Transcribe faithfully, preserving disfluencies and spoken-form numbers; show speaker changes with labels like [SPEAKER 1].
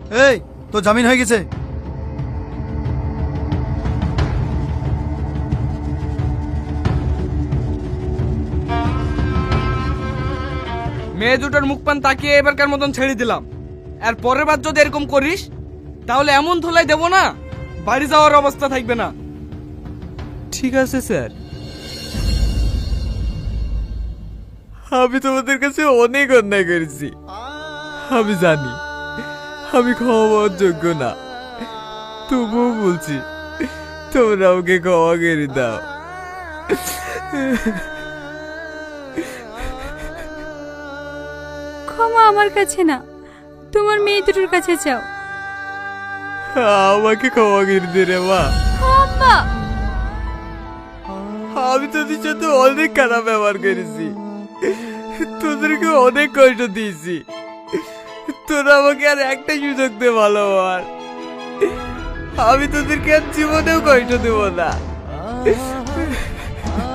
[SPEAKER 1] এই তো জামিন হয়ে গেছে।
[SPEAKER 2] মেয়ে দুটোর মুখ পান তাকিয়ে এবারকার মতন ছেড়ে দিলাম। আর পরের বার যদি এরকম করিস তাহলে এমন ধুলাই দেবো না, বাড়ি যাওয়ার অবস্থা থাকবে না।
[SPEAKER 3] ঠিক আছে স্যার। আমি তোমাদের কাছে অনেক অন্যায় করেছি, আমি জানি আমি ক্ষমা পাওয়ার যোগ্য না, তবুও বলছি তোমরা আমাকে ক্ষমা করে দাও।
[SPEAKER 4] ক্ষমা আমার কাছে না, তোমার মেয়ে দুটোর কাছে যাও।
[SPEAKER 3] আমাকে ক্ষমা করে দে রে মা।
[SPEAKER 4] আম্মা,
[SPEAKER 3] আমি তোদের সাথে অনেক খারাপ ব্যবহার করেছি, তোদেরকে অনেক কষ্ট দিয়েছি, তোরা আমাকে আর একটা সুযোগ দে ভালো হওয়ার। আমি তোদেরকে আর জীবনেও কষ্ট দেব না।